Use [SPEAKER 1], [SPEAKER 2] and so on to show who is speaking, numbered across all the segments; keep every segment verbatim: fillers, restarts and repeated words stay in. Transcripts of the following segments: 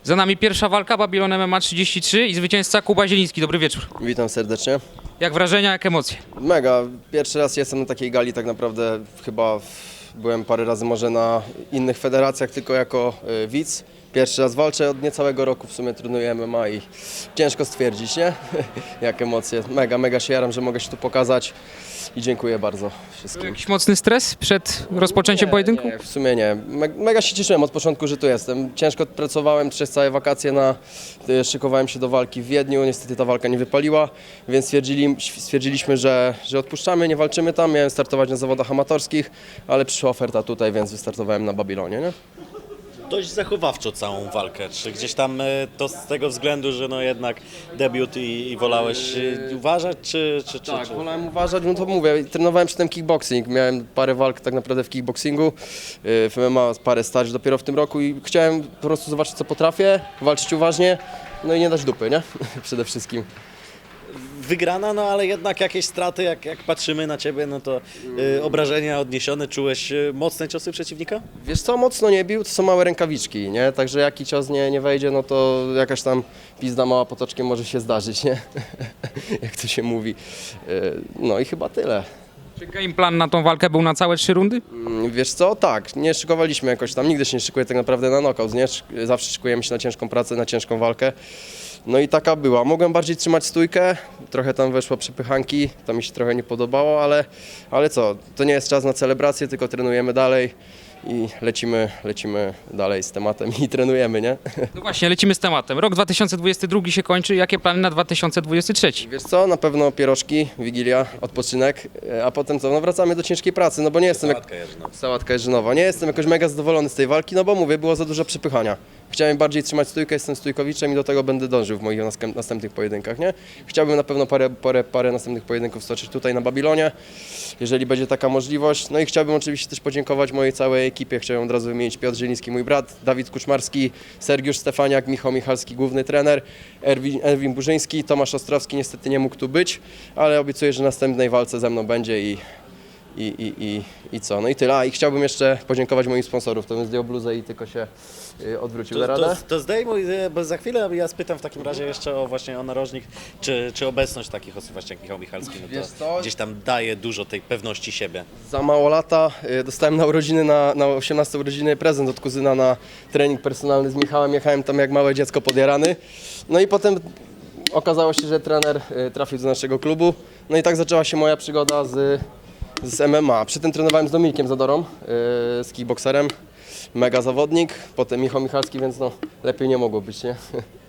[SPEAKER 1] Za nami pierwsza walka, Babylon M M A trzydzieści trzy i zwycięzca Kuba Zieliński. Dobry wieczór.
[SPEAKER 2] Witam serdecznie.
[SPEAKER 1] Jak wrażenia, jak emocje?
[SPEAKER 2] Mega. Pierwszy raz jestem na takiej gali, tak naprawdę chyba w- byłem parę razy może na innych federacjach, tylko jako y, widz. Pierwszy raz walczę od niecałego roku, w sumie trenuję M M A i ciężko stwierdzić, nie? Jak emocje. Mega, mega się jaram, że mogę się tu pokazać i dziękuję bardzo wszystkim.
[SPEAKER 1] Jakiś mocny stres przed rozpoczęciem pojedynku?
[SPEAKER 2] Nie, w sumie nie. Me- Mega się cieszyłem od początku, że tu jestem. Ciężko pracowałem przez całe wakacje, na, y, szykowałem się do walki w Wiedniu. Niestety ta walka nie wypaliła, więc stwierdzili, stwierdziliśmy, że, że odpuszczamy, nie walczymy tam. Miałem startować na zawodach amatorskich, ale przyszła oferta tutaj, więc wystartowałem na Babilonie. Nie?
[SPEAKER 3] Dość zachowawczo całą walkę. Czy gdzieś tam e, to z tego względu, że no jednak debiut i, i wolałeś e, uważać, czy... czy, czy,
[SPEAKER 2] Tak,
[SPEAKER 3] czy...
[SPEAKER 2] wolałem uważać, no to mówię, trenowałem przedtem kickboxing, miałem parę walk tak naprawdę w kickboxingu, y, w M M A parę starć dopiero w tym roku i chciałem po prostu zobaczyć, co potrafię, walczyć uważnie, no i nie dać dupy, nie? Przede wszystkim.
[SPEAKER 3] Wygrana, no ale jednak jakieś straty, jak, jak patrzymy na ciebie, no to e, obrażenia odniesione. Czułeś e, mocne ciosy przeciwnika?
[SPEAKER 2] Wiesz co, mocno nie bił, to są małe rękawiczki, nie? Także jaki cios nie, nie wejdzie, no to jakaś tam pizda mała potoczkiem może się zdarzyć, nie? Jak to się mówi. Y, No i chyba tyle.
[SPEAKER 1] Czy game plan na tą walkę był na całe trzy rundy?
[SPEAKER 2] Mm, Wiesz co, tak, nie szykowaliśmy jakoś tam, nigdy się nie szykuje tak naprawdę na knockout, nie? Szy- Zawsze szykujemy się na ciężką pracę, na ciężką walkę. No i taka była. Mogłem bardziej trzymać stójkę, trochę tam weszło przepychanki, to mi się trochę nie podobało, ale, ale co, to nie jest czas na celebrację, tylko trenujemy dalej i lecimy, lecimy dalej z tematem i trenujemy, nie?
[SPEAKER 1] No właśnie, lecimy z tematem. Rok dwa tysiące dwudziesty drugi się kończy. Jakie plany na dwa tysiące dwudziesty trzeci?
[SPEAKER 2] Wiesz co, na pewno pierożki, wigilia, odpoczynek, e, a potem co, no wracamy do ciężkiej pracy, no bo nie jestem... jak-
[SPEAKER 3] Sałatka jarzynowa.
[SPEAKER 2] Sałatka Jerzynowa. Nie jestem jakoś mega zadowolony z tej walki, no bo mówię, było za dużo przepychania. Chciałem bardziej trzymać stójkę, jestem stójkowiczem i do tego będę dążył w moich naskę- następnych pojedynkach, nie? Chciałbym na pewno parę, parę, parę następnych pojedynków stoczyć tutaj na Babilonie, jeżeli będzie taka możliwość. No i chciałbym oczywiście też podziękować mojej całej ekipie. Chciałem od razu wymienić Piotr Zieliński, mój brat, Dawid Kuczmarski, Sergiusz Stefaniak, Michał Michalski, główny trener, Erwin, Erwin Burzyński, Tomasz Ostrowski niestety nie mógł tu być, ale obiecuję, że w następnej walce ze mną będzie i I, i, i, I co? No i tyle. A i chciałbym jeszcze podziękować moim sponsorów. To bym zdjął bluzę i tylko się y, odwrócił na
[SPEAKER 3] To,
[SPEAKER 2] radę.
[SPEAKER 3] to, to zdejmuj, e, bo za chwilę ja spytam w takim razie jeszcze o właśnie o narożnik, czy, czy obecność takich osób właśnie jak Michał Michalski, no
[SPEAKER 2] Wiesz
[SPEAKER 3] to
[SPEAKER 2] co?
[SPEAKER 3] gdzieś tam daje dużo tej pewności siebie.
[SPEAKER 2] Za mało lata y, dostałem na urodziny, na, na osiemnaste urodziny prezent od kuzyna na trening personalny z Michałem. Jechałem tam jak małe dziecko podjarany. No i potem okazało się, że trener y, trafił do naszego klubu. No i tak zaczęła się moja przygoda z, z M M A. Przy tym trenowałem z Dominikiem Zadorą, y, z kickbokserem. Mega zawodnik. Potem Michał Michalski, więc no lepiej nie mogło być, nie?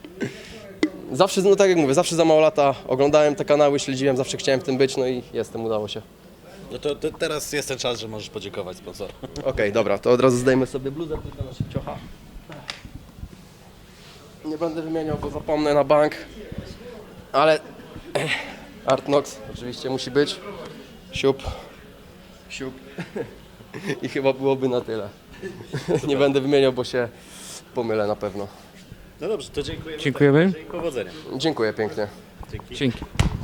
[SPEAKER 2] Zawsze, no tak jak mówię, zawsze za mało lata oglądałem te kanały, śledziłem, zawsze chciałem w tym być, no i jestem, udało się.
[SPEAKER 3] No to, to teraz jest ten czas, że możesz podziękować sponsorom.
[SPEAKER 2] Okej, dobra, to od razu zdejmę sobie bluzę, tylko na szybciocha. Nie będę wymieniał, bo zapomnę na bank. Ale eh, Artnox oczywiście musi być. Siup. Siup. I chyba byłoby na tyle. Nie będę wymieniał, bo się pomylę na pewno.
[SPEAKER 3] No dobrze, to dziękujemy.
[SPEAKER 1] Dziękujemy.
[SPEAKER 3] I powodzenia.
[SPEAKER 2] Dziękuję pięknie.
[SPEAKER 3] Dzięki.
[SPEAKER 1] Dzięki.